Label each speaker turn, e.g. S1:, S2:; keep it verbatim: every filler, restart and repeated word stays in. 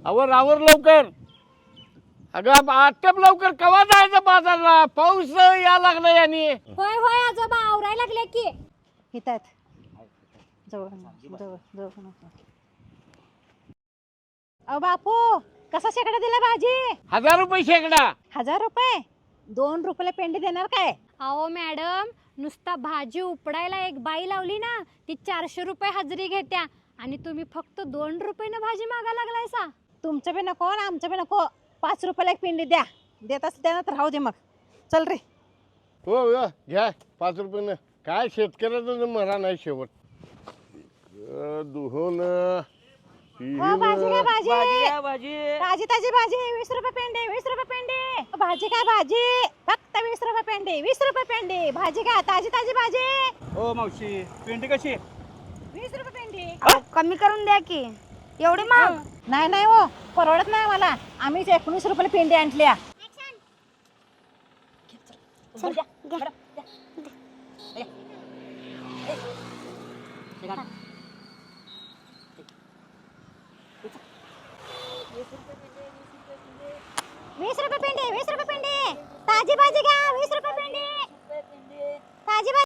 S1: आवर आवर लवकर. अगं आटप लवकर, कवा जायचं बाजारला? पाऊस या लागला याने.
S2: होय होय आजोबा आवरायला लागले की.
S3: येतात जवळ जवळ जवळ. अहो बापू, कसा शेकडा दिला भाजी?
S1: हजार रुपये शेकडा.
S3: हजार रुपये? दोन रुपयाला पेंडी देणार काय?
S2: अहो मॅडम, नुसता भाजी उपडायला एक बाई लावली ना, ती चारशे रुपये हजेरी घेत्या आणि तुम्ही फक्त दोन रुपयानं भाजी मागा लागलायसा.
S3: तुमचं बी नको आणि आमचं बी नको. पाच रुपयाला एक पेंडी द्या. देत असं द्या ना तर राहू दे मग. चल रे.
S1: हो हो घ्या पाच रुपयानं. काय शेतकऱ्याचं मरा नाही शेवट. दुहोन
S3: हो भाजी काय भाजी?
S4: भाजी
S3: ताजी ताजी भाजी वीस रुपये पेंडी. वीस रुपये पेंडी. भाजी काय भाजी? फक्त वीस रुपये पेंडी. वीस रुपये पेंडी. भाजी काय ताजी ताजी भाजी?
S4: हो मावशी, पेंडी कशी?
S3: वीस रुपये पेंडी.
S2: कमी करून द्या की. एवढी महाग?
S3: नाही नाही हो, परवडत नाही मला. आम्हीच एकोणीस रुपयाला पेंडी आणल्या. वीस रुपये पेंडी. वीस रुपये पेंडी. ताजी भाजी घ्या. वीस रुपये पेंडी. ताजी भाजी.